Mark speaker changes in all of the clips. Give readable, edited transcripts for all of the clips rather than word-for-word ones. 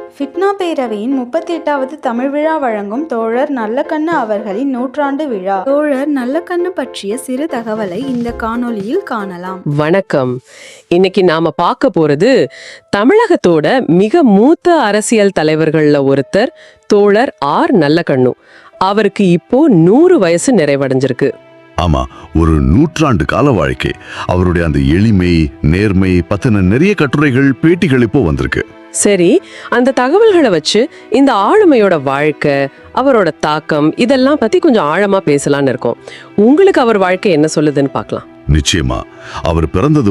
Speaker 1: ஃபிட்னா பேரவையின் 38வது தமிழ் விழா வழங்கும் தோழர் நல்லக்கண்ணு அவர்களின் நூற்றாண்டு விழா. தோழர் நல்லக்கண்ணு பற்றிய சிறு தகவலை இந்த காணொளியில் காணலாம்.
Speaker 2: வணக்கம். இன்னைக்கு நாம பார்க்க போறது தமிழகத்தோட மிக மூத்த அரசியல் தலைவர்கள்ல ஒருத்தர் தோழர் ஆர் நல்லக்கண்ணு. அவருக்கு இப்போ 100 வயசு நிறைவடைஞ்சிருக்கு.
Speaker 3: ஆமா, ஒரு நூற்றாண்டு கால வாழ்க்கை. அவருடைய அந்த எளிமை, நேர்மை பத்தின நிறைய கட்டுரைகள், பேட்டிகள் இப்போ வந்திருக்கு.
Speaker 2: சரி, அந்த தகவல்களை வச்சு இந்த ஆளுமையோட வாழ்க்கை, அவரோட தாக்கம், இதெல்லாம் பத்தி கொஞ்சம் ஆழமா பேசலான்னு இருக்கோம். உங்களுக்கு அவர் வாழ்க்கை என்ன சொல்லுதுன்னு பார்க்கலாம்.
Speaker 3: நிச்சயமா. அவர் பிறந்தது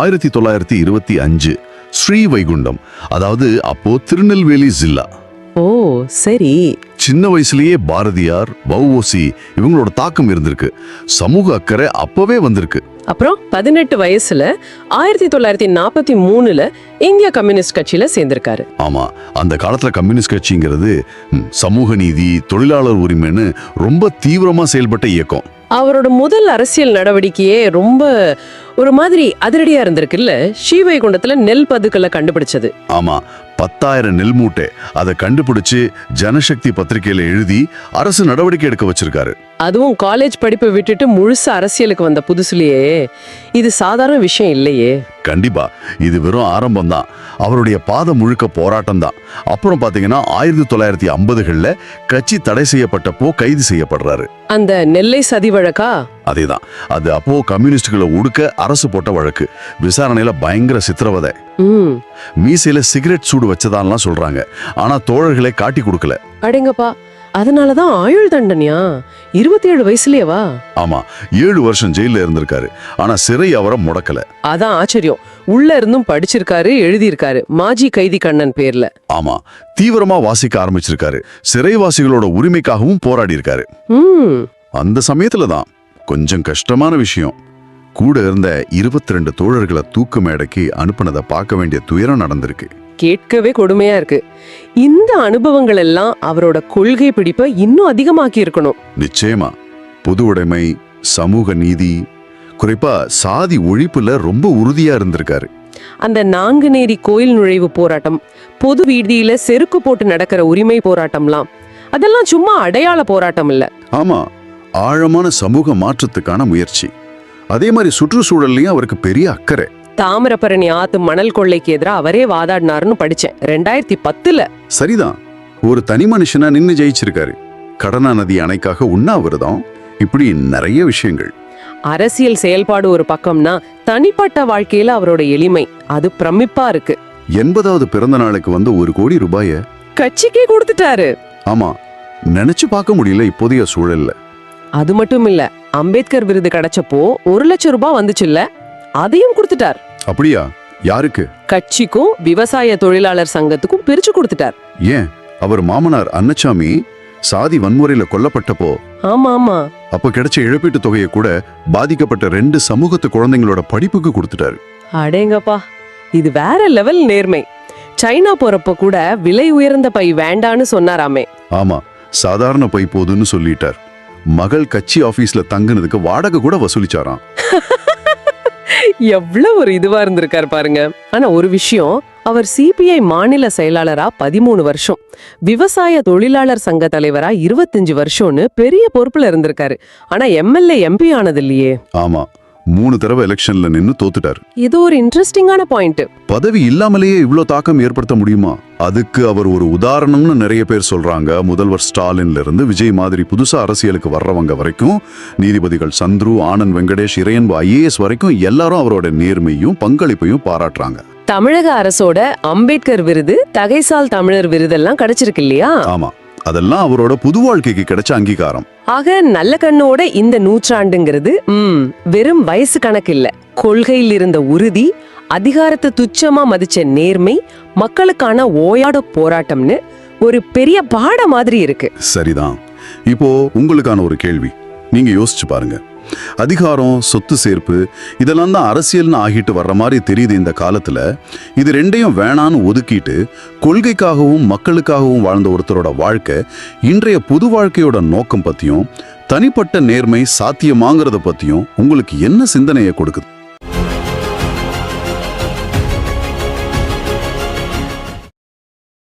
Speaker 3: 1925 ஸ்ரீவைகுண்டம், அதாவது அப்போ திருநெல்வேலி ஜில்லா.
Speaker 2: ஓ சரி.
Speaker 3: சின்ன வயசுலயே பாரதியார், வஉசி இவங்களோட தாக்கம் இருந்திருக்கு. சமூக அக்கறை அப்பவே வந்திருக்கு.
Speaker 2: அப்புறம் 18 வயசுல 1943ல இந்திய கம்யூனிஸ்ட் கட்சியில சேர்ந்திருக்காரு.
Speaker 3: ஆமா, அந்த காலத்துல கம்யூனிஸ்ட் கட்சிங்கிறது சமூக நீதி, தொழிலாளர் உரிமைன்னு ரொம்ப தீவிரமா செயல்பட்ட இயக்கம்.
Speaker 2: அவரோட முதல் அரசியல் நடவடிக்கையே ரொம்ப ஒரு மாதிரி அதிரடியா இருந்திருக்குல்ல. ஸ்ரீவைகுண்டத்துல நெல் பதுக்கலை கண்டுபிடிச்சது.
Speaker 3: ஆமா, 10,000 நெல் மூட்டை அதை கண்டுபிடிச்சு ஜனசக்தி பத்திரிகையில எழுதி அரசு நடவடிக்கை எடுக்க வச்சிருக்காரு.
Speaker 2: அதுவும் காலேஜ் படிப்பை விட்டுட்டு முழுசு அரசியலுக்கு வந்த புதுசுலயே. இது சாதாரண விஷயம் இல்லையே.
Speaker 3: கண்டிப்பா, இது வெறும் ஆரம்பம் தான். அவருடைய பாதை முழுக்க போராட்டம் தான். அப்புறம் பாத்தீங்கன்னா 1950களில் கட்சி தடை செய்யப்பட்டப்போ கைது செய்யப்படுறாரு.
Speaker 2: அந்த நெல்லை சதி வழக்கா?
Speaker 3: அதேதான். அது அப்போ கம்யூனிஸ்டுகளை ஒடுக்க அரசு போட்ட வழக்கு. விசாரணையில பயங்கர சித்திரவதை. மீசையில சிகரெட் சூடு வச்சதான்லாம் சொல்றாங்க. ஆனா தோழர்களை காட்டி கொடுக்கல.
Speaker 2: அடேங்கப்பா, அதனாலதான் ஆயுள் தண்டனையா? 27 வயசுலயேவா?
Speaker 3: ஆமா, 7 வருஷம் ஜெயில இருந்திருக்காரு. ஆனா சிறை அவரை முடக்கல.
Speaker 2: அதான் ஆச்சரியம். உள்ள இருந்தும் படிச்சிருக்காரு, எழுதியிருக்காரு. மாஜி கைதி கண்ணன் பேர்ல.
Speaker 3: ஆமா, தீவிரமா வாசிக்க ஆரம்பிச்சிருக்காரு. சிறைவாசிகளோட உரிமைக்காகவும் போராடி இருக்காரு. அந்த சமயத்துலதான் கொஞ்சம் கஷ்டமான விஷயம். கூட இருந்த 22 தோழர்களை தூக்கு மேடைக்கு அனுப்புனதை பார்க்க வேண்டிய துயரம் நடந்திருக்கு.
Speaker 2: கேட்கவே கொடுமையா இருக்கு. இந்த அனுபவங்கள் எல்லாம் அவரோட கொள்கை பிடிப்பை இன்னும் அதிகமாக்கி இருக்கணும்.
Speaker 3: நிச்சயமா. பொது உடைமை, சமூக நீதி, குறிப்பா சாதி ஒழிப்புல ரொம்ப உறுதியா இருந்திருக்காரு.
Speaker 2: அந்த நாங்குநேரி கோயில் நுழைவு போராட்டம், பொது வீதியில செருக்கு போட்டு நடக்கிற உரிமை போராட்டம்லாம், அதெல்லாம் சும்மா அடையாள போராட்டம் இல்ல.
Speaker 3: ஆமா, ஆழமான சமூக மாற்றத்துக்கான முயற்சி. அதே மாதிரி சுற்றுச்சூழல்லையும் அவருக்கு பெரிய அக்கறை.
Speaker 2: தாமிரபரணி ஆத்து மணல் கொள்ளைக்கு எதிராக அவரே வாதாடினாருன்னு படிச்சேன் 2010ல.
Speaker 3: சரிதான். ஒரு தனி மனுஷனா நின்னு ஜெயிச்சிருக்காரு. கடனா நதி அணைக்காக உண்ணாவிரதம், இப்படி நிறைய விஷயங்கள்.
Speaker 2: அரசியல் செயல்பாடு ஒரு பக்கம்னா, தனிப்பட்ட வாழ்க்கையில அவரோட எளிமை அது பிரமிப்பா இருக்கு.
Speaker 3: 80வது பிறந்த நாளுக்கு 1 கோடி ரூபாய
Speaker 2: கட்சிக்கே கொடுத்துட்டாரு.
Speaker 3: ஆமா, நினைச்சு பார்க்க முடியல இப்போதைய சூழல்ல.
Speaker 2: அது மட்டும் இல்ல, அம்பேத்கர் விருது கிடைச்சப்போ 1 லட்சம் ரூபாய் வந்துச்சுல்ல, அதையும் கொடுத்துட்டார்.
Speaker 3: அப்படியா? யாருக்கு?
Speaker 2: கட்சிக்கும் விவசாய தொழிலாளர் சங்கத்துக்கும் பிரிச்சு கொடுத்துட்டார்.
Speaker 3: ஏன்? அவர் மாமனார் அன்னசாமி சாதி வன்முறையில கொல்லப்பட்டப்போ
Speaker 2: ஆமா ஆமா
Speaker 3: அப்ப கிடைச்ச இழப்பீட்டு தொகையை கூட பாதிக்கப்பட்ட 2 சமூகத்து குழந்தைங்களோட படிப்புக்கு கொடுத்துட்டாரு.
Speaker 2: அடேங்கப்பா, இது வேற லெவல் நேர்மை. சைனா போறப்ப கூட விலை உயர்ந்த பை வேண்டான்னு சொன்னாராமே.
Speaker 3: ஆமா, சாதாரண பை போதுன்னு சொல்லிட்டார். மகள் கட்சி ஆபீஸ்ல தங்குனதுக்கு வாடகை கூட வசூலிச்சாராம்.
Speaker 2: எவ்வளவு ஒரு இதுவா இருந்திருக்காரு பாருங்க. ஆனா ஒரு விஷயம், அவர் சிபிஐ மாநில செயலாளரா 13 வருஷம், விவசாய தொழிலாளர் சங்க தலைவரா 25 வருஷம்னு பெரிய பொறுப்புல இருந்திருக்காரு. ஆனா எம்எல்ஏ எம்பி ஆனது இல்லையே.
Speaker 3: ஆமா, 3 தடவை எலெக்ஷன்ல நின்னு தோத்துட்டாரு.
Speaker 2: இது ஒரு இன்ட்ரெஸ்டிங்கான பாயிண்ட்.
Speaker 3: பதவி இல்லாமலேயே இவ்ளோ தாக்கம் ஏற்படுத்த முடியுமா? அதுக்கு அவர் ஒரு உதாரணம்னு நிறைய பேர் சொல்றாங்க. முதல்வர் ஸ்டாலின்ல இருந்து விஜய் மாதிரி புதுசா அரசியலுக்கு வர்றவங்க வரைக்கும், நீதிபதிகள் சந்துரு, ஆனந்த் வெங்கடேஷ், இறையன்பு IAS வரைக்கும் எல்லாரும் அவரோட நேர்மையும் பங்களிப்பையும் பாராட்டுறாங்க.
Speaker 2: தமிழக அரசோட அம்பேத்கர் விருது, தகைசால் தமிழர் விருதெல்லாம் கிடைச்சிருக்கு இல்லையா?
Speaker 3: ஆமா, அதெல்லாம் அவரோட புது வாழ்க்கைக்கு கிடைச்ச அங்கீகாரம்.
Speaker 2: ஆக நல்லக்கண்ணோட இந்த நூற்றாண்டுங்கிறது வெறும் வயசு கணக்கு இல்ல. கொள்கையில் இருந்த உறுதி, அதிகாரத்தை துச்சமா மதிச்ச நேர்மை, மக்களுக்கான ஓயாட போராட்டம்னு ஒரு பெரிய பாட மாதிரி இருக்கு.
Speaker 3: சரிதான். இப்போ உங்களுக்கான ஒரு கேள்வி. நீங்க யோசிச்சு பாருங்க. அதிகாரம், சொத்து சேர்ப்பு, இதெல்லாம் தான் அரசியல்னு ஆகிட்டு வர்ற மாதிரி தெரியுது இந்த காலத்துல. இது ரெண்டையும் வேணான்னு ஒதுக்கிட்டு கொள்கைக்காகவும் மக்களுக்காகவும் வாழ்ந்த ஒருத்தரோட வாழ்க்கை இன்றைய புது வாழ்க்கையோட நோக்கம் பத்தியும் தனிப்பட்ட நேர்மை சாத்தியமாங்கிறத பத்தியும் உங்களுக்கு என்ன சிந்தனையை கொடுக்குது?